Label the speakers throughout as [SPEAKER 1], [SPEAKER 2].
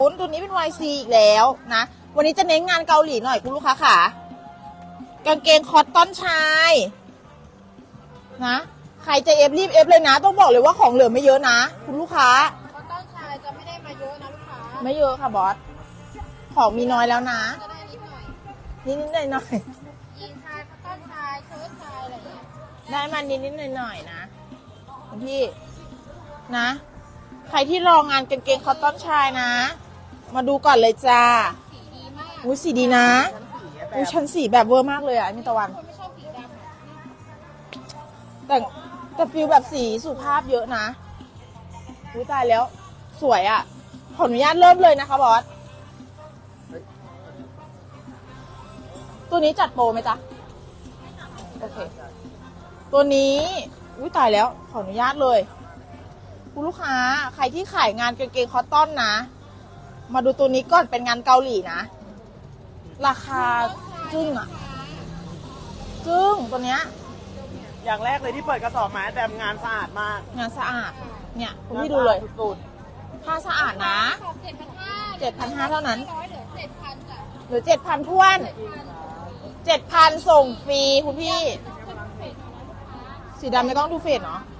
[SPEAKER 1] ตัวนี้เป็น YC อีกแล้วนะวันนี้จะเน้นงานเกาหลีหน่อยคุณลูกค้าค่ะกางเกงคอตตอนชายนะใครจะเอฟรีบเอฟเลยนะต้องบอกเลยว่าของเหลือไม่เยอะนะคุณลูกค้า
[SPEAKER 2] คอตตอนชายจะไม่ได้มาเยอะนะลูกค้า
[SPEAKER 1] ไม่เยอะค่ะบอสของมีน้อยแล้วนะ
[SPEAKER 2] จะได้นิดหน่อย
[SPEAKER 1] นิดหน่อย
[SPEAKER 2] ยีนชายคอตตอนชายเชิ้ตชายอะไรอย่างเงี้ย
[SPEAKER 1] ได้มานิดหน่อยนะพี่นะใครที่รองานกางเกงคอตตอนชายนะมาดูก่อนเลยจ้า
[SPEAKER 2] สีดีมาก
[SPEAKER 1] อุ้ยสีดีนะอุ้ยชั้นสีแบบเวอร์มากเลยอ่ะมิตะวัน
[SPEAKER 2] คนไม่ชอบสีดำ
[SPEAKER 1] แต่ฟิลแบบสีสุภาพเยอะนะอุ้ยตายแล้วสวยอ่ะขออนุญาตเริ่มเลยนะคะบอสตัวนี้จัดโปรไหมจ๊ะโอเคตัวนี้อุ้ยตายแล้วขออนุญาตเลยคุณลูกค้าใครที่ขายงานกางเกงคอตตอนนะมาดูตัวนี้ก่อนเป็นงานเกาหลีนะราคาจึ้งอ่ะจึ้งตัวเนี้ย
[SPEAKER 3] อย่างแรกเลยที่เปิดกระสอบมาแต่งานสะอาดมาก
[SPEAKER 1] งานสะอาดเนี่ยคุณพี่ดูเลยผ้าสะอาดนะ7,500เท่านั้นเหลือ 7,000ท้วน 7,000ส่งฟรีคุณพี่สีดำไม่ต้องดูเฟซเนาะ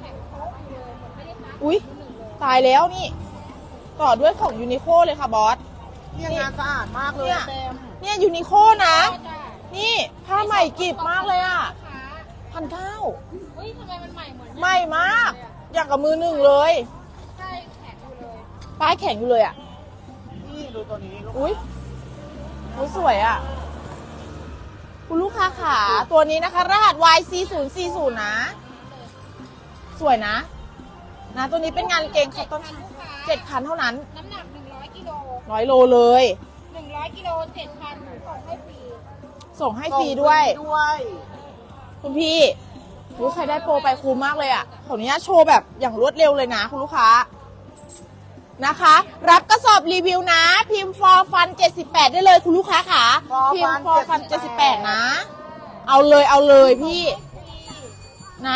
[SPEAKER 1] อุ๊ยตายแล้วนี่ต่อด้วยของยูนิโคเลยค่ะบอส
[SPEAKER 3] เนี่ยงานสะอาดมากเลย
[SPEAKER 1] เนี่ยยูนิโคนะนี่ผ้าใหม่กริบมากเลยอ่ะ1,900
[SPEAKER 2] เฮ้ยทำไมมันใหม่เหมือน
[SPEAKER 1] ใหม่มากอย่างกับมือหนึ่งเลย
[SPEAKER 2] ใช่แข็งอยู่เลย
[SPEAKER 1] ป้ายแข็งอยู่เลยอ่ะ
[SPEAKER 3] นี่ดูตัวนี้
[SPEAKER 1] อุ๊ยสวยอ่ะคุณลูกค้าขาตัวนี้นะคะรหัส YC040 นะสวยนะตัวนี้เป็นงานเกงคอตตอน 7,000 เท่านั้น
[SPEAKER 2] น้ำหนัก100กิโล
[SPEAKER 1] 100 โลเลย
[SPEAKER 2] 100กิโล 7,000
[SPEAKER 1] ส่งให้ฟรีด้วยคุณพี่ใครได้โปรไปคุ้มมากเลยอ่ะขออนุญาตโชว์แบบอย่างรวดเร็วเลยนะคุณลูกค้านะคะรับกระสอบรีวิวนะพิมพ์ for fun 78ได้เลยคุณลูกค้าค่ะพิมพ์ for fun 78นะเอาเลยพี่นะ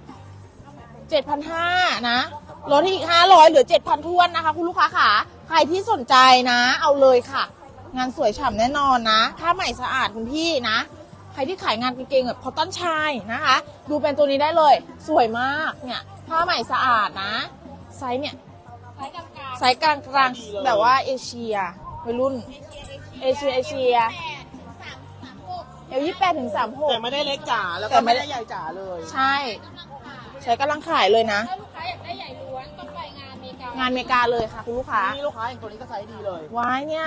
[SPEAKER 1] 7,500 นะลดอีก500เหลือ 7,000ท้วนนะคะคุณลูกค้าค่ะใครที่สนใจนะเอาเลยค่ะงานสวยฉ่ำแน่นอนนะผ้าใหม่สะอาดคุณพี่นะใครที่ขายงานกางเกงแบบคอตตอนชายนะคะดูเป็นตัวนี้ได้เลยสวยมากเนี่ยผ้าใหม่สะอาดนะไซส์เนี่ยไซส์กลางแบบว่าเอเชียวัยรุ่นเอเชีย28 ถึง 36
[SPEAKER 3] แต่ไม่ได้เล็กจ๋าแล้วก็ไม่ได้ใหญ่จ๋าเลย
[SPEAKER 1] ใช่กำลังขายเลยนะ
[SPEAKER 2] ถ้าลูกค้าอยากได้ใหญ่ล้วนต้องไปงานเมกาง
[SPEAKER 1] านเมกาเลยค่ะคุณลูกค้า
[SPEAKER 3] นี่ลูกค้าอย่างตัวนี้ก็ไซส์ดีเลย
[SPEAKER 1] ว้ายเนี่ย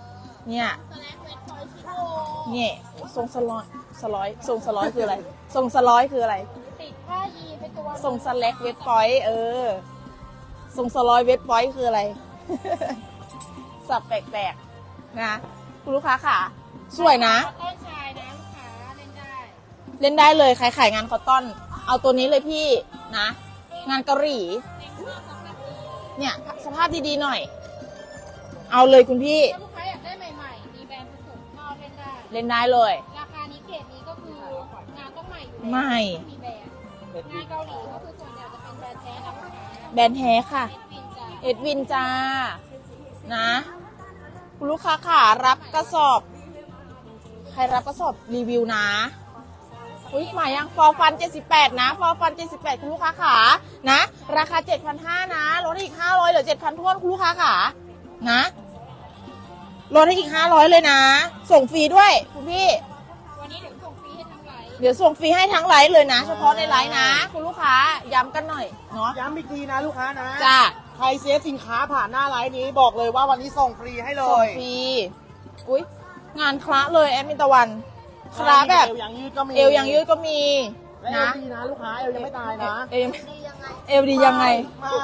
[SPEAKER 1] ทรงสลอยทรงสลอยคืออะไรทรงสลอยคืออะไร
[SPEAKER 2] ติดผ้ายีนเป็นตัว
[SPEAKER 1] ทรงสแลกเวทพอยต์ทรงสลอยเวทพอยต์คืออะไร สับแปลกๆนะคุณลูกค้าค่ะสวยนะ
[SPEAKER 2] ต้นชายนะลูกค้า
[SPEAKER 1] เล่นได้เลยใครขายงานคอตตอนเอาตัวนี้เลยพี่นะงานเกาหลีเนี่ยสภาพดีๆหน่อยเอาเลยคุณพี่
[SPEAKER 2] ลูกค้าอยากได้ใหม่ๆมีแบรนด์ผสมก็
[SPEAKER 1] เล่นได้เลย
[SPEAKER 2] ราคานี้เกรดนี้ก็คืองานต้องใหม่อยู่แล้ว
[SPEAKER 1] ใหม่
[SPEAKER 2] มีแบรนด์งานเกาหลีก็คือส่วนใหญ่จะเป็นแบรนด์แท้นะลูกค้า
[SPEAKER 1] แบรนด์แท้ค่ะเอ็ดวินจ้านะคุณลูกค้าค่ะรับกระสอบใครรับกระสอบรีวิวนะอุ้ยหมายยังฟอร์ฟัน78นะฟอร์ฟัน78คุณลูกค้าขานะราคา 7,500 นะลดอีก500เหลือ 7,000ท้วนคุณลูกค้าขานะลดให้อีก500เลยนะส่งฟรีด้วยคุณพี่
[SPEAKER 2] วันนี้เดี๋ยวส่งฟรีให้ทั้งไลฟ์
[SPEAKER 1] เลยนะเฉพาะในไลฟ์นะคุณลูกค้าย้ำกันหน่อยเนาะ
[SPEAKER 3] ย้ำอีกทีนะลูกค้านะ
[SPEAKER 1] จ้า
[SPEAKER 3] ใครเซฟสินค้าผ่านหน้าไลฟ์นี้บอกเลยว่าวันนี้ส่งฟรีให้เลย
[SPEAKER 1] ส่งฟรีอุ้ยงานคละเลยแอดมินตะวันคละแบบ
[SPEAKER 3] เอวยังยืดก็มี
[SPEAKER 1] นะเอว
[SPEAKER 3] ดีนะลูกค้าเอวยังไม่ตายนะ
[SPEAKER 1] เอวดียังไง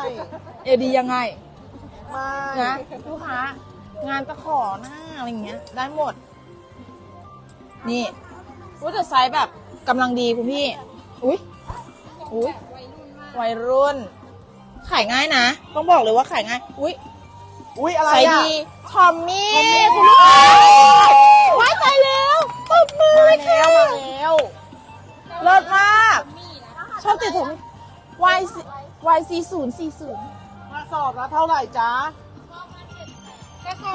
[SPEAKER 1] นะลูกค้างานตะขอหน้าอะไรเงี้ยได้หมดนี่ว่าจะไซส์แบบกำลังดีคุณพี่อุ้ยวัยรุ่นขายง่ายนะต้องบอกเลยว่าขายง่าย
[SPEAKER 3] อุ้ยอะไร
[SPEAKER 1] ไซส์ดีทอมมี่คุณลูกค้าไว้ใจแล้วตบมือค่ะเลิศมากชอบติดผม YC040
[SPEAKER 3] กระสอบละเท่าไหร่จ๊ะ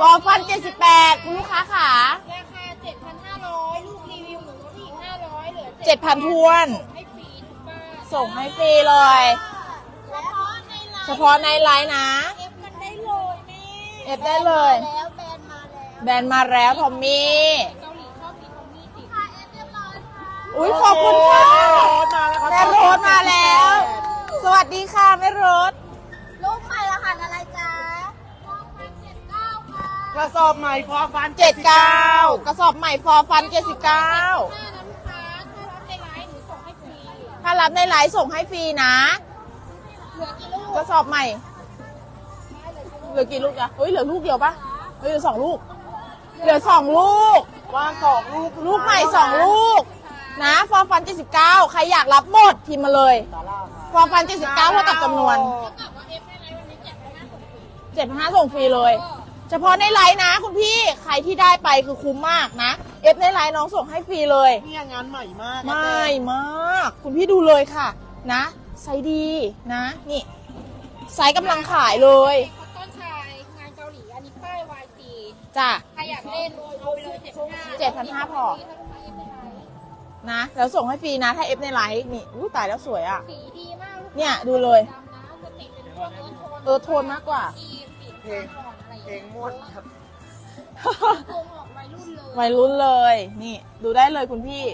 [SPEAKER 1] ฟอร์ฟัน78คุณลูกค้าขา
[SPEAKER 2] ราคา 7,500 ลูกรีวิวหนูลดอีก500เหลือ
[SPEAKER 1] 7,000 ทวน
[SPEAKER 2] ให้ฟรีทุกบ้าน
[SPEAKER 1] ส่งให้ฟรีเลย เฉพาะในไลน์นะ
[SPEAKER 2] เอฟมันได้เลยแม่
[SPEAKER 1] เอฟได้เลย
[SPEAKER 2] แล้วแบรนด์มาแล้ว
[SPEAKER 1] แบรนด์มาแล้วทอมมี่
[SPEAKER 2] เกาหลีชอบมีทอมมี่ติดค่ะเอฟเรียบร้อยค่ะ
[SPEAKER 1] อุ้ยขอบคุณค่ะ
[SPEAKER 3] แม่โรสมาแล้ว
[SPEAKER 1] แม่โรสมาแล้ว สวัสดีค่ะแม่โรส
[SPEAKER 2] ลูกใหม่รหัสอะไรจ๊ะ2,079ค่ะ
[SPEAKER 3] กระสอบใหม่ฟอร์ฟัน
[SPEAKER 1] 79 กระสอบใหม่ฟอร์ฟัน 79
[SPEAKER 2] 5นะลูกค้าถ้ารับในไลน์หนูส่งให้ฟรี
[SPEAKER 1] ถ้ารับในไลฟ์ส่งให้ฟรีนะ
[SPEAKER 2] เหลือกี่ลูก
[SPEAKER 1] กระสอบใหม่ เหลือกี่ลูกอะเฮ้ยเหลือลูกเดียวปะเฮ้ยเหลือ2 ลูก เหลือ2 ลูก
[SPEAKER 3] วาง2 ลูก
[SPEAKER 1] ลูกใหม่ 2 ลูก นะฟอร์ฟัน 79 ใครอยากรับหมดพิมพ์มาเลย ฟอร์ฟัน 79 เท่ากับจำนวน
[SPEAKER 2] เท่ากับว่าเอฟในไลน์วันนี้7,500ส่งฟรี
[SPEAKER 1] 7,500ส่งฟรีเลย เฉพาะในไลน์นะคุณพี่ ใครที่ได้ไปคือคุ้มมากนะ เอฟในไลน์น้องส่งให้ฟรีเลย
[SPEAKER 3] เนี่ยงานใหม่มาก
[SPEAKER 1] ไม่มาก คุณพี่ดูเลยค่ะ นะ ไซส์ดีนะ นี่ ไซส์กำลังขายเลย
[SPEAKER 2] คอตตอนชายงานเกาหลี อันนี้ป้าย YC
[SPEAKER 1] จ้ะ
[SPEAKER 2] ใครอยากเล่นเอาไปเลย
[SPEAKER 1] 7,500
[SPEAKER 2] 7,500
[SPEAKER 1] พอ นะ แล้วส่งให้ฟรีนะ ถ้าเอฟในไลน์นี่อู้ตายแล้วสวยอ่ะ
[SPEAKER 2] สีดีมาก
[SPEAKER 1] เนี่ยดูเลย
[SPEAKER 2] ดำนะจะติดเป็นพวก
[SPEAKER 1] เออโทนมากกว่า
[SPEAKER 3] เพลงเพลงม่วนครับ
[SPEAKER 2] โกงออกวัยรุ่นเลย
[SPEAKER 1] วัยรุ่นเลย นี่ ดูได้เลยคุณพี่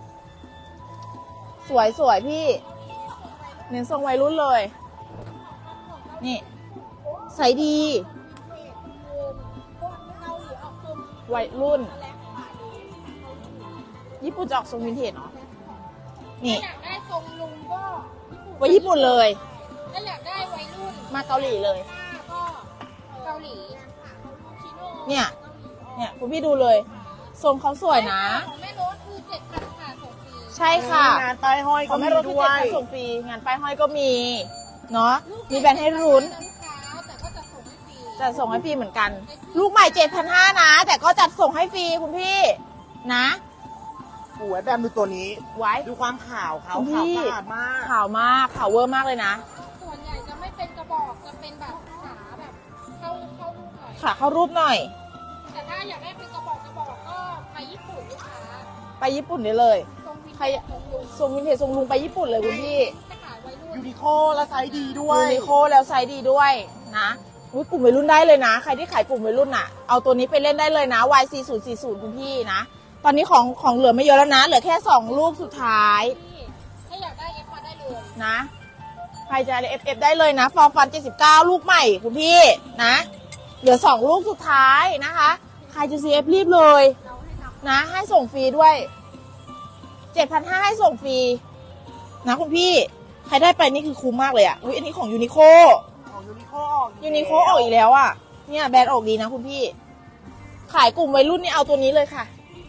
[SPEAKER 1] สวยสวยพี่ เน้นทรงวัยรุ่นเลย นี่ใส่ดี
[SPEAKER 2] พวกเกาหลีออกทรง
[SPEAKER 1] วัยรุ่น
[SPEAKER 2] แลกขาย
[SPEAKER 1] ญี่ปุ่นจะออกทรงวินเทจเนาะ นี่
[SPEAKER 2] ถ้าอยากได้ทรงลุงก็
[SPEAKER 1] ไปญี่ปุ่นเลย
[SPEAKER 2] ถ้าอยากได้วัยรุ่น
[SPEAKER 1] มาเกาหลีเลย
[SPEAKER 2] ก็เกาหลีชิโน่
[SPEAKER 1] เนี่ย เนี่ยคุณพี่ดูเลย ทรงเขาสวยนะ
[SPEAKER 2] ของแม่โรสคือ7,000ค่ะส่งฟรี
[SPEAKER 1] ใช่ค่ะ
[SPEAKER 3] งานป้ายห้อย
[SPEAKER 1] ข
[SPEAKER 3] ก็
[SPEAKER 1] อง
[SPEAKER 3] มี
[SPEAKER 1] แม่รถคือ
[SPEAKER 3] ด้วย
[SPEAKER 1] 7,000ส่งฟรี งานป้ายห้อยก็มี เนาะ มีแบรนด์ให้รุ้น
[SPEAKER 2] ลูกค้าแต่ก็จะส่งให้ฟรี
[SPEAKER 1] จะส่งให้ฟรีเหมือนกัน ลูกใหม่ 7,500นะ แต่ก็จัดส่งให้ฟรีคุณพี่ นะ
[SPEAKER 3] สวยแบบดูตัวนี้
[SPEAKER 1] ไว้
[SPEAKER 3] ดูความขาวเขา
[SPEAKER 1] คุณ
[SPEAKER 3] ขาว
[SPEAKER 1] พี่
[SPEAKER 3] สะอาดมาก
[SPEAKER 1] ข่าวมาก ข่าวเวอร์มากเลยนะ
[SPEAKER 2] ส่วนใหญ่จะไม่เป็นกระบอกจะเป็นแบบขาแบบเข้าลูกหน่อย
[SPEAKER 1] ค่ะเข้ารูปหน่อย
[SPEAKER 2] แต่ถ้าอยากได้เป็นกระบอกก็ไปญี่ปุ่นลูกค้า
[SPEAKER 1] ไปญี่ปุ่นได้เลย
[SPEAKER 2] ทรงวิน
[SPEAKER 1] ใคร
[SPEAKER 2] เทจทรงลุง
[SPEAKER 1] ทรงวินเทจทรงลุงไปญี่ปุ่นเลยคุณพี่
[SPEAKER 2] จะขายวัยรุ่น
[SPEAKER 3] ยูนิโคและไซส์ดีด้วย
[SPEAKER 1] ยูนิโคแล้วไซส์ดีด้วยนะอุ๊ยกลุ่มวัยรุ่นได้เลยนะ ใครที่ขายกลุ่มวัยรุ่นอ่ะ เอาตัวนี้ไปเล่นได้เลยนะ YC040 คุณพี่นะ ตอนนี้ของเหลือไม่เยอะแล้วนะ เหลือแค่2ลูกสุดท้าย
[SPEAKER 2] ที่ถ้าอยากได้เอฟมาได้เลย
[SPEAKER 1] นะ ใครจะ FF ได้เลยนะฟอร์ฟัน79 ลูกใหม่คุณพี่นะ เหลือ2ลูกสุดท้ายนะคะ ใครจะ CF รีบเลย
[SPEAKER 2] เราให้ทำ
[SPEAKER 1] นะ ให้ส่งฟรีด้วย 7,500ให้ส่งฟรีนะคุณพี่ ใครได้ไปนี่คือคุ้มมากเลยอ่ะ อุ๊ยอันนี้ของยูนิโค
[SPEAKER 3] ของยูนิโคออก
[SPEAKER 1] ยูนิโคออกอีกแล้วอ่ะ เนี่ยแบรนด์ออกดีนะคุณพี่ ขายกลุ่มวัยรุ่นนี่เอาตัวนี้เลยค่ะ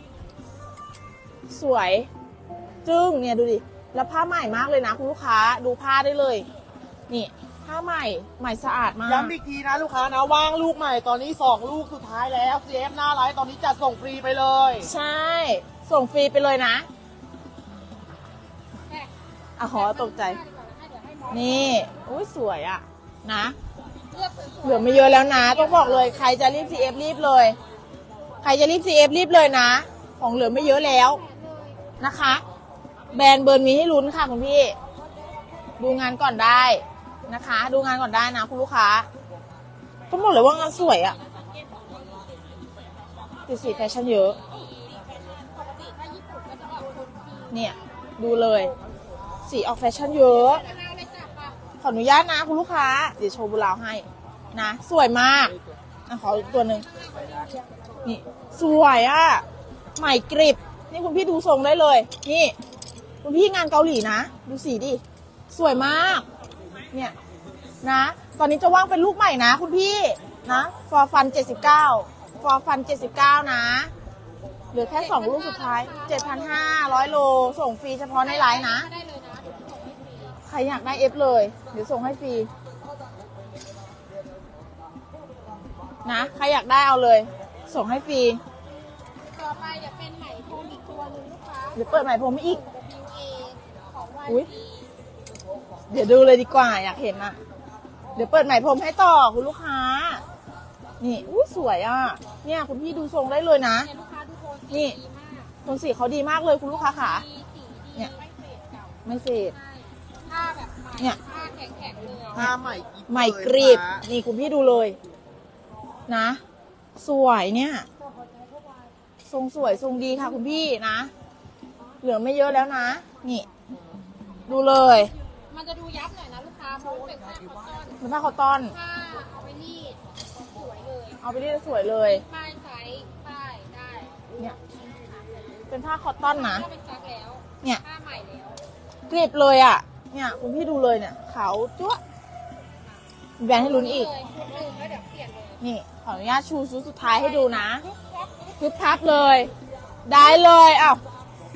[SPEAKER 1] สวย จึ้งเนี่ยดูดิ แล้วผ้าใหม่มากเลยนะคุณลูกค้า ดูผ้าได้เลย นี่ ผ้าใหม่ ใหม่สะอาดมาก
[SPEAKER 3] ย้ำอีกทีนะลูกค้านะว่างลูกใหม่ตอนนี้2ลูกสุดท้ายแล้ว CF หน้าไลฟ์ตอนนี้จัดส่งฟรีไปเลย
[SPEAKER 1] ใช่ ส่งฟรีไปเลยนะ
[SPEAKER 2] แค่
[SPEAKER 1] อ่ะขอตกใจ
[SPEAKER 2] เดี๋ยวให้หมอ
[SPEAKER 1] นี่ อุ้ยสวยอ่ะ นะ
[SPEAKER 2] เลือกสวยๆ
[SPEAKER 1] เหลือไม่เยอะแล้วนะ ต้องบอกเลย ใครจะรีบ CF รีบเลย ใครจะรีบ CF รีบเลยนะ ของเหลือไม่เยอะแล้วนะคะ แบรนด์เบิร์นมีให้ลุ้นค่ะคุณพี่ ดูงานก่อนได้นะคะ ดูงานก่อนได้นะคุณลูกค้าต้องบอกเลยว่างานสวยอะติดสีแฟชั่นเยอะ
[SPEAKER 2] ปกติถ้าญี่ปุ่นก็จะออกโทนสี
[SPEAKER 1] เนี่ย ดูเลย สีออกแฟชั่นเยอะ
[SPEAKER 2] มะนาวเลยจ้ะป่ะ
[SPEAKER 1] ขออนุญาตนะคุณลูกค้า เดี๋ยวโชว์บุราวให้นะ สวยมากอ่ะขออีกตัวหนึ่งนี่สวยอะใหม่กริบ นี่คุณพี่ดูทรงได้เลย นี่ คุณพี่งานเกาหลีนะ ดูสีดิ สวยมาก เนี่ยนะ ตอนนี้จะว่างเป็นลูกใหม่นะคุณพี่นะฟอร์ฟัน79ฟอร์ฟัน79นะเหลือแค่2ลูกสุดท้าย 7,500 โลส่งฟรีเฉพาะในไลน์นะ
[SPEAKER 2] ได้เลยนะเดี๋ยวส่งให้ฟรี
[SPEAKER 1] ใครอยากได้เอฟเลย เดี๋ยวส่งให้ฟรีนะ ใครอยากได้เอาเลย ส่งให้ฟรี
[SPEAKER 2] ต่อไปเดี๋ยวเป็นไหมพรมอีกตัวหนึงลูกค้า
[SPEAKER 1] เดี๋ยวเปิดใหม่ผมอีก
[SPEAKER 2] WA ของ
[SPEAKER 1] อุ๊ย
[SPEAKER 2] YC
[SPEAKER 1] เดี๋ยวดูเลยดีกว่าอยากเห็นอะเดี๋ยวเปิดใหม่พรมให้ต่อคุณลูกค้านี่อุ้ยสวยอ่ะ เนี่ยคุณพี่ดูทรงได้เลยนะ
[SPEAKER 2] เนี่ยลูกค้าดูโทน
[SPEAKER 1] นี่
[SPEAKER 2] สีดีมาก
[SPEAKER 1] โทนสีเขาดีมากเลยคุณลูกค้าขา
[SPEAKER 2] มีสีดี
[SPEAKER 1] เนี่ย
[SPEAKER 2] ไม่เฟดเก่า
[SPEAKER 1] ไม่เฟด
[SPEAKER 2] ใช่ผ้าแบบใหม่
[SPEAKER 1] เนี่ย
[SPEAKER 2] ผ้าแข็งๆเลย
[SPEAKER 3] ผ้าใหม่กิ๊บ
[SPEAKER 1] ใหม่
[SPEAKER 3] เลย
[SPEAKER 1] กรีบ
[SPEAKER 3] นะ
[SPEAKER 1] นี่คุณพี่ดูเลยนะ สวยเนี่ย ทรงสวยทรงดีค่ะคุณพี่นะ เหลือไม่เยอะแล้วนะ นี่ ดูเลย
[SPEAKER 2] มันจะดูยับหน่อยนะลูกค้าเพราะว่าเป็นผ้าคอตตอน
[SPEAKER 1] เป็นผ้าคอตตอน
[SPEAKER 2] ผ้าเอาไปรีดสวยเลย
[SPEAKER 1] เอาไปรีดสวยเลย
[SPEAKER 2] ป้ายไซส์ป้ายได้
[SPEAKER 1] เนี่ย เป็นผ้าคอตตอนนะ
[SPEAKER 2] ถ้าเป็นซักแล้ว
[SPEAKER 1] เนี่ย
[SPEAKER 2] ผ้าใหม่แล้ว
[SPEAKER 1] กรีบเลยอ่ะ เนี่ยคุณพี่ดูเลยเนี่ยขาวจั๊วะมีแบรนด์ให้ลุ้นอีก
[SPEAKER 2] เลยชุดหนึ่งแล้วเดี๋ยวเปลี่ยนเลย
[SPEAKER 1] นี่ขออนุญาตชูชุดสุดท้ายให้ดูนะพึบพับเลย ได้เลยอ้าว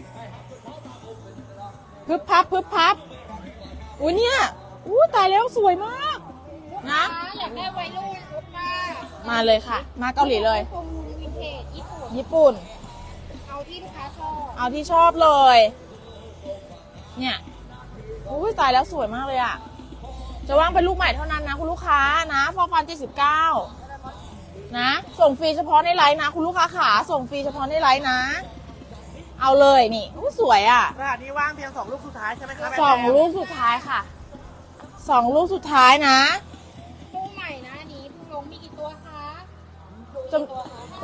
[SPEAKER 1] พึบพับพึบพับอุ้ยเนี่ยอู้ตายแล้วสวยมากนะ
[SPEAKER 2] อยากได้วัยรุ่นชุดผ้า
[SPEAKER 1] มาเลยค่ะ มาเกาหลีเลย
[SPEAKER 2] ประมูลวินเทจญี่ปุ่น
[SPEAKER 1] ญี่ปุ่น
[SPEAKER 2] เอาที่ลูกค้าชอบ
[SPEAKER 1] เอาที่ชอบเลย เนี่ยอุ้ยตายแล้วสวยมากเลยอ่ะ จะว่างเป็นลูกใหม่เท่านั้นนะคุณลูกค้านะฟอร์ฟัน79นะ ส่งฟรีเฉพาะในไลน์นะ คุณลูกค้าขาส่งฟรีเฉพาะในไลน์นะ เอาเลยนี่อู้สวยอ่ะ
[SPEAKER 3] รหัสนี้ว่างเพียง2 ลูกสุดท้ายใช่ไหมครับ
[SPEAKER 1] สองลูกสุดท้ายค่ะ2 ลูกสุดท้ายนะ
[SPEAKER 2] ตู้ใหม่นะอันนี้เพิ่งลงมีกี่ตัวคะ
[SPEAKER 1] จำ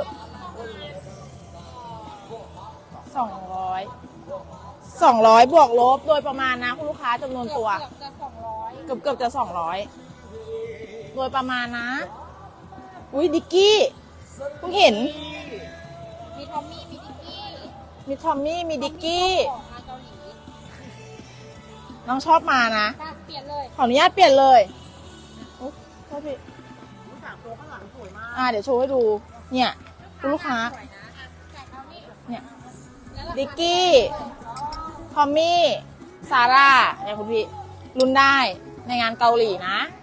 [SPEAKER 1] 200บวกลบโดยประมาณนะคุณลูกค้าจำนวนตัว
[SPEAKER 2] เกือบจะ200
[SPEAKER 1] เกือบจะ200โดยประมาณนะ อุ้ยดิกกี้เพิ่งเห็น
[SPEAKER 2] มีทอมมี่มีดิกกี้
[SPEAKER 1] มีทอมมี่มีดิกกี้
[SPEAKER 2] ของมาเกาหลี
[SPEAKER 1] น้องชอบมานะ
[SPEAKER 2] ค่ะเปลี่ยนเลย
[SPEAKER 1] ขออนุญาตเปลี่ยนเลยอุ๊ยโทษที
[SPEAKER 3] ลูกสามตัวข้างหลังสวยมาก
[SPEAKER 1] เดี๋ยวโชว์ให้ดู เนี่ยคุณลูกค้า
[SPEAKER 2] สวยนะอ่ะแต่เอานี่
[SPEAKER 1] เนี่ย
[SPEAKER 2] แล้วราคา
[SPEAKER 1] ดิกกี้ ทอมมี่ ซาร่าเนี่ยคุณพี่ รุ่นได้ในงานเกาหลีนะ